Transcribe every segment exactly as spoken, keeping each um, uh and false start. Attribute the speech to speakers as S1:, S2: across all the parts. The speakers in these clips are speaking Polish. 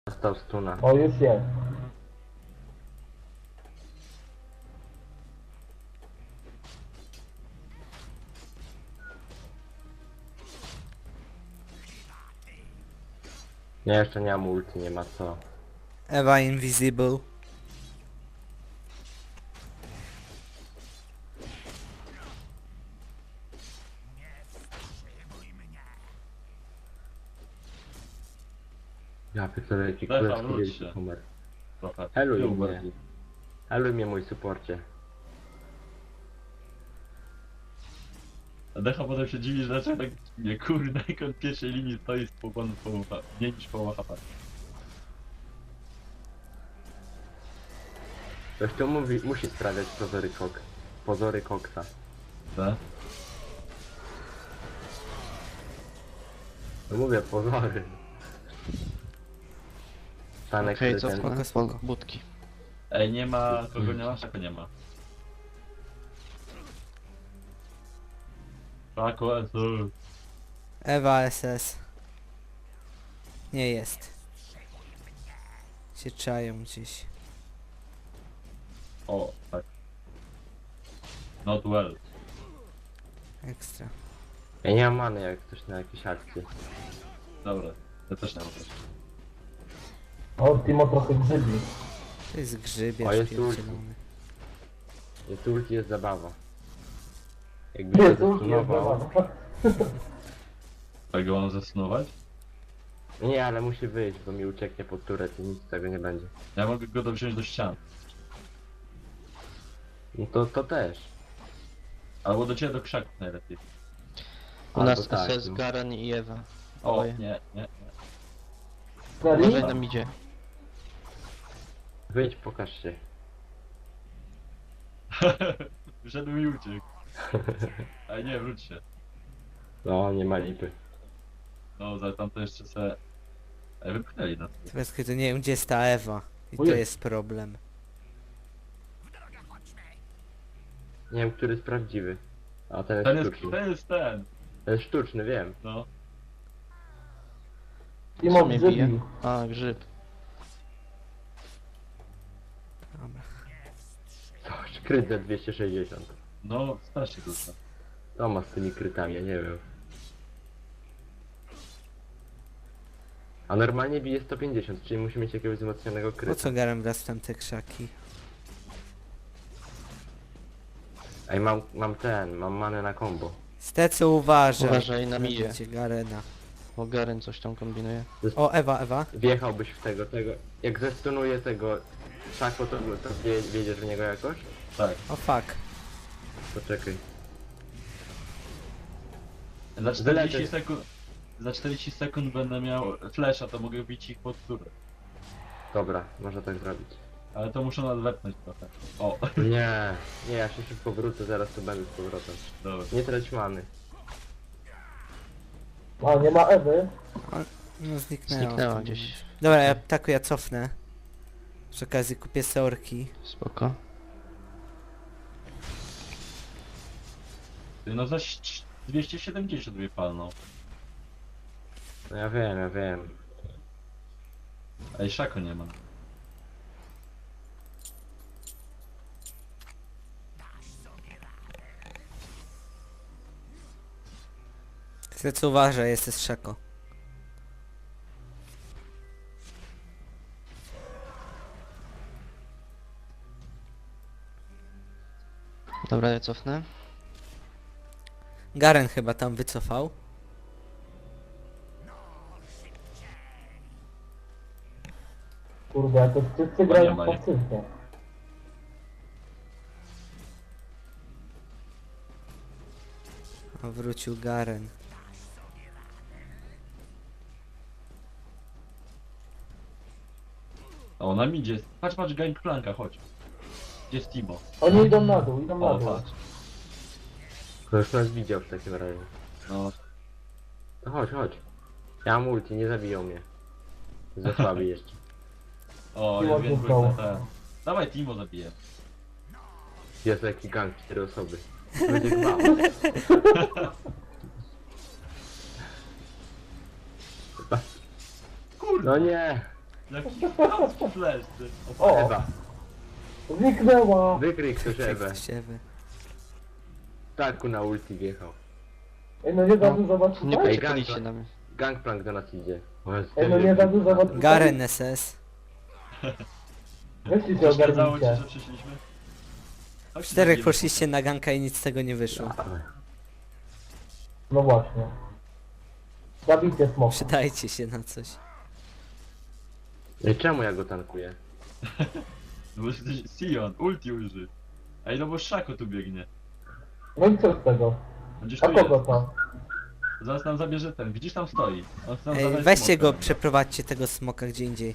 S1: Dostał stuna.
S2: O, już jest.
S1: Nie, jeszcze nie mam ulti, nie ma co.
S3: Ewa Invisible.
S1: Ja pierdolę, jaki
S4: Stefan,
S1: królewski
S4: wróć
S1: wielki
S4: się.
S1: numer.
S4: Trochę.
S1: Heluj
S4: Tył
S1: mnie.
S4: bardziej.
S1: Heluj mnie, mój suporcie.
S4: A Decha potem się dziwi, że dlaczego tak nie kurde, jak on w pierwszej linii stoi z połowoną połowa, mniej niż połowa H P.
S1: Ktoś tu mówi, musi sprawiać pozory kok. Pozory koksa.
S4: Tak?
S1: No mówię, pozory. Stanek
S5: Okej,
S1: okay,
S5: co
S1: ten...
S3: Spoko, spoko.
S5: budki.
S4: Ej, nie ma, kogo nie ma, czego nie ma. Szako, S O.
S3: Ewa S S. Nie jest. Się czają gdzieś.
S4: O, tak. Not well.
S3: Ekstra.
S1: Ja nie mam many jak ktoś na jakieś akcje.
S4: Dobra, ja też nie mam też.
S2: O, Timo trochę grzybi.
S3: To jest
S1: O,
S3: grzybiarz
S1: jest
S3: pierdzielony.
S1: Jest ulti, jest zabawa. Jakby się
S2: Jest, już jest,
S1: zastunował...
S2: dobra.
S4: Tak go mam zastunować?
S1: Nie, ale musi wyjść, bo mi ucieknie pod turet i nic z tego nie będzie.
S4: Ja mogę go dowziąć do ścian.
S1: No to, to też.
S4: Albo do ciebie do krzaków najlepiej.
S5: U
S1: Albo
S5: nas
S1: tak,
S5: S S,
S1: no.
S5: Garen i Ewa.
S4: O,
S5: Oboje.
S4: nie, nie, nie.
S2: Serio?
S5: Uważaj, nam idzie.
S1: Wyjdź, pokaż się.
S4: Wszedł i uciekł. Ale nie, wróć się.
S1: No, nie ma lipy.
S4: No, za tamto jeszcze se... Ej, wypchnęli nas.
S3: Teraz kiedy nie wiem gdzie jest ta Ewa. I to
S4: Ojej.
S3: jest problem.
S1: Nie wiem, który jest prawdziwy. A ten
S4: Ten
S1: jest
S4: jest,
S1: sztuczny.
S4: ten jest ten.
S1: Ten jest sztuczny, wiem.
S4: No.
S2: Timo
S5: Co mnie bije?
S2: grzybi.
S5: A, grzyb.
S3: Dobra.
S1: Coś, kryt za dwieście sześćdziesiąt.
S4: No, strasznie dużo.
S1: To ma z tymi krytami, ja nie wiem. A normalnie bije sto pięćdziesiąt, czyli musi mieć jakiegoś wzmocnionego
S3: Po
S1: kryta.
S3: co garem wraz w tamte krzaki?
S1: Ej, mam, mam ten, mam manę na combo.
S3: Stecu uważaj.
S5: Uważaj, nam idzie.
S3: Będzie Garena.
S5: Bo Garen coś tam kombinuje.
S3: O, Ewa, Ewa.
S1: Wjechałbyś w tego, tego... Jak zestunuję tego Szako, to, to wie, wiedziesz w niego jakoś?
S4: Tak.
S3: O fuck.
S1: Poczekaj.
S4: Za czterdzieści
S1: Wylecę.
S4: sekund... Za czterdzieści sekund będę miał flasha, to mogę bić ich pod turę.
S1: Dobra, można tak zrobić.
S4: Ale to muszę nadwepnąć trochę. O,
S1: Nie, nie, ja się szybko wrócę, zaraz tu będę z powrotem.
S4: dobra.
S1: Nie trać many.
S2: A, nie ma Ewy.
S3: No zniknęła.
S5: Zniknęła
S3: w tym
S5: gdzieś.
S3: momencie. Dobra, ja tak ja cofnę. Przy okazji kupię seorki.
S5: Spoko.
S4: Ty, no za ś- dwieście siedemdziesiąt mnie palną.
S1: No ja wiem, ja wiem.
S4: Ej, szako nie ma.
S3: Stecu uważaj, jest z Szako.
S5: Dobra, ja cofnę.
S3: Garen chyba tam wycofał.
S2: Kurde, to wszyscy
S4: nie
S2: grają
S4: ma, nie?
S2: pasywnie.
S3: O, wrócił Garen.
S4: O, nam idzie. Patrz, patrz, Gangplanka, chodź. Gdzie jest Timo?
S2: Oni idą na dół, idą na
S4: O,
S2: dół.
S4: patrz.
S1: To już nas widział w takim razie.
S4: No,
S1: No chodź, chodź. Ja mam ulti, nie zabiją mnie. Za słaby jeszcze.
S4: o,
S2: Timo
S4: ja wiem,
S2: został.
S4: na ten. Dawaj, Timo zabiję.
S1: Jest jaki gang, cztery osoby. Będzie gwałt.
S4: Kurde.
S1: No nie!
S4: Jaki chamski flash, ty. O,
S2: O,
S1: Ewa,
S2: zniknęła.
S1: wykryj ktoś Ewę.
S3: Ktoś Ewy.
S1: Taku na ulti wjechał.
S2: Ej, no nie za dużo was
S5: Nie
S2: tutaj?
S5: poczekaliście na mnie.
S1: Gangplank do nas idzie. O Jezu,
S2: Ej, no nie za dużo was tutaj?
S3: Garen S S.
S2: Weźcie się
S4: przeszkadzało ci,
S2: ogarnijcie.
S4: że przyszliśmy? Chodź,
S3: Czterech
S4: zabijemy
S3: poszliście na ganka i nic z tego nie wyszło.
S2: No właśnie. Zabijcie smoka.
S3: Przydajcie się na coś.
S1: Ej, czemu ja go tankuję?
S4: No bo jesteś Sion, ulti uży. Ej, no bo Szako tu biegnie.
S2: No i co z tego?
S4: Będziesz
S2: A
S4: tu
S2: kogo
S4: jest.
S2: to?
S4: Zaraz nam zabierze ten, widzisz tam stoi. On chce nam
S3: Ej,
S4: zabrać
S3: weźcie
S4: smoka.
S3: go, przeprowadźcie tego smoka gdzie indziej.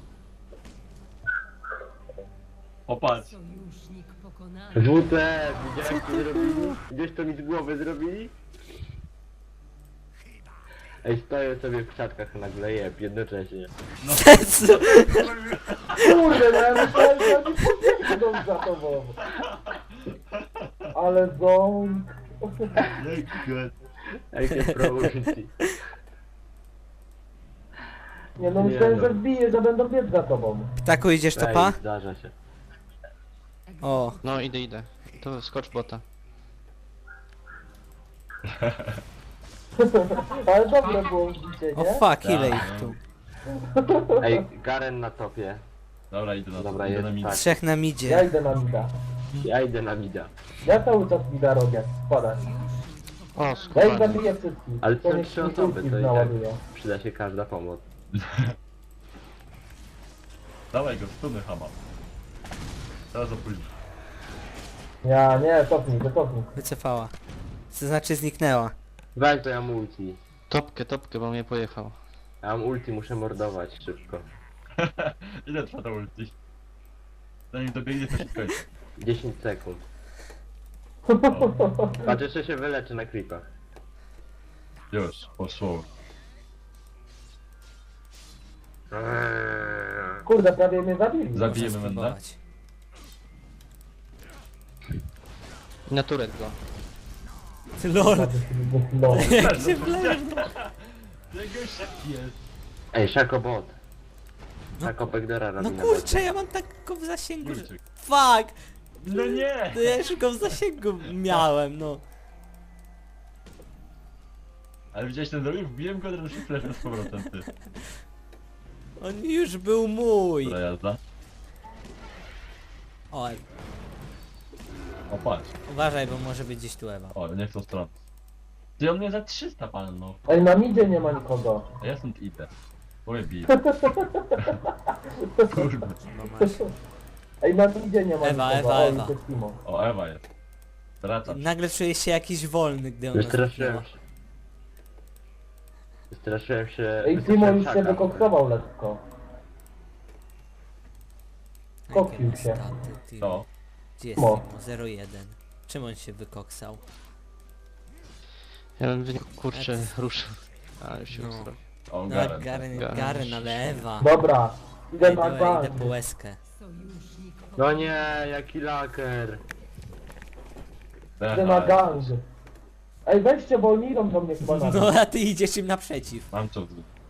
S4: O, patrz.
S6: Sojusznik pokonany.
S1: Żółte! Widziałeś co zrobili? Gdzieś to mi z głowy zrobili? Ej, stoję sobie w krzaczkach nagle jeb, jednocześnie.
S3: Jezu!
S2: Kurde, no ja myślałem, że oni pobiegną za tobą. Ale ząb.
S4: Jaki god.
S1: Ej, się pro ulti.
S2: Nie no
S1: Nie
S2: myślałem,
S1: no.
S2: że wbije, że będą biec za tobą.
S3: Ptaku, idziesz topa?
S1: Ej, zdarza się.
S3: O,
S5: No idę, idę. To skocz bota.
S2: Ale dobre było wbicie,
S3: o
S2: nie?
S3: fuck, ile
S4: Tak,
S3: ich
S4: no.
S3: tu?
S1: Ej, Garen na topie.
S4: Dobra, idę na
S1: Dobra,
S4: to, idę
S1: jest
S4: na minę.
S1: tak.
S3: Trzech na
S2: Ja
S3: midzie.
S2: idę na mida.
S1: Ja idę na mida.
S2: Ja cały czas mida robię. Spadaj.
S5: O,
S2: Ja ich
S5: skubany.
S2: zabiję wszystkich.
S1: Ale to
S2: niech
S1: trzy
S2: mi
S1: osoby,
S2: ulti
S1: to i tak
S2: naładuje.
S1: przyda się każda pomoc.
S4: Dawaj go, stuny hama. Teraz za późno.
S2: Ja nie, cofnij, to cofnij.
S3: Wycofała. To znaczy zniknęła.
S1: Weź to ja mam ulti.
S5: Topkę, topkę, bo mnie pojechał.
S1: Ja mam ulti, muszę mordować szybko.
S4: Ile trwa ta ulti? Zanim dobiegnie, to się skończy.
S1: dziesięć sekund. Patrz, jeszcze się wyleczy na creepach.
S4: Już, poszło.
S1: Eee.
S2: Kurde, prawie mnie zabili.
S4: Zabijemy
S3: Można
S4: Menda?
S3: spróbować.
S5: Na turet go.
S3: Lol.
S2: No.
S3: Jak się wleje.
S4: Jego szef jest.
S1: Ej, Szako bot.
S3: No-
S1: Szako Backdora robi
S3: No
S1: na
S3: kurczę, ja mam tak go w zasięgu, że...
S4: Kurczyk.
S3: Fuck!
S4: No nie!
S3: No ja już go w zasięgu miałem, no.
S4: Ale widziałeś ten zrobił? Wbiłem go teraz flash z powrotem, ty.
S3: On już był mój.
S4: Dobra jazda.
S3: O,
S4: O, patrz.
S3: uważaj, bo może być gdzieś tu Ewa.
S4: O, nie w tą stronę. Ty on mnie za trzysta palnął.
S2: Ej, na midzie nie ma nikogo.
S4: A ja stąd idę. Bo mnie bije. Kurde.
S3: No masz.
S2: Ej, na midzie nie ma
S3: Ewa,
S2: nikogo.
S3: Ewa,
S2: O,
S3: Ewa.
S2: i to jest Timo.
S4: O, Ewa jest. Wracam.
S3: Nagle czuję się jakiś wolny, gdy ona
S1: Wystraszyłem
S3: zniknęła.
S1: się. Wystraszyłem się...
S2: Ej, Timo
S1: wystraszyłem
S2: już się
S1: Szaka.
S2: wykoksował lekko. Koksił
S3: Jakie
S2: się.
S3: staty, ty.
S4: To.
S3: Gdzie jest
S2: Mo.
S3: Timo? zero jeden. Czym on się wykoksał?
S5: Ja bym wy- kurczę ruszył. Ale się
S3: No.
S5: ustroił.
S4: O,
S3: No
S4: Garen.
S3: Garen,
S5: Garen.
S3: Garen, ale Ewa.
S2: Dobra, idę
S3: Ej,
S2: na
S3: dobra,
S2: bank.
S3: idę po łezkę.
S6: Sojusznik
S1: No
S6: pokonany.
S1: nie, jaki laker.
S2: Idę na gang. Ej, weźcie, bo oni idą do mnie chyba na
S3: No a ty idziesz im naprzeciw.
S4: Mam co.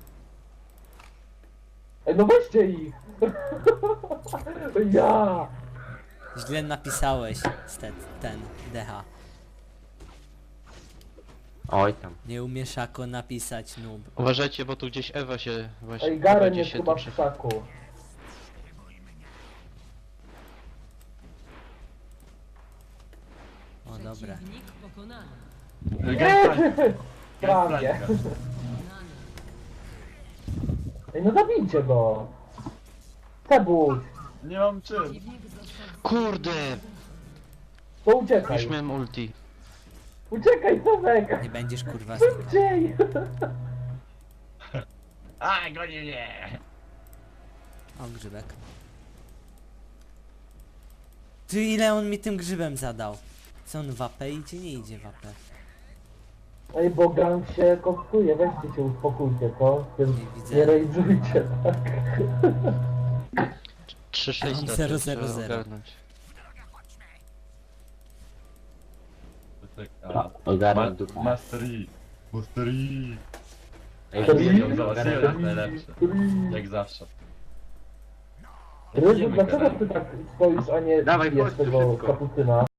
S2: Ej, no weźcie ich. Ja.
S3: Źle napisałeś stet, ten D H.
S1: Oj tam.
S3: Nie umiesz jako napisać noob.
S5: Uważajcie, bo tu gdzieś Ewa się właśnie
S2: Ej, Garen
S5: będzie
S2: jest
S5: się
S2: chyba
S5: tu
S2: w
S5: przy...
S2: krzaku.
S3: O dobra.
S6: Przeciwnik pokonany.
S2: Prawie.
S6: Pokonany.
S2: Ej, no zabijcie go. Cebuś,
S4: Nie mam czym.
S6: Przeciwnik został
S5: Kurde!
S2: to uciekaj.
S5: Już miałem ulti.
S2: Uciekaj, Tomek.
S3: Nie będziesz kurwa znikał.
S2: Szybciej.
S4: A, goni mnie!
S3: O, grzybek. Ty ile on mi tym grzybem zadał? Co on w A P idzie? Nie idzie w A P.
S2: Ej, bo gang się koksuje, weźcie się uspokójcie, co?
S3: Nie
S2: Nie,
S3: widzę.
S2: nie rejdzujcie, tak?
S5: trzy sześć
S3: Zero, zero, zero.
S5: ogarnąć.
S4: A,
S1: Ogarnę
S4: ma,
S1: dupę.
S4: Mastery. Mastery.
S1: Ej,
S2: Ej,
S4: Ją załatwiłem, jest najlepsze. Jak zawsze.
S2: Ryzu, dlaczego ty tak stoisz, a nie
S1: Dawaj,
S2: bijesz
S1: chodź tu
S2: tego
S1: szybko.
S2: kapucyna?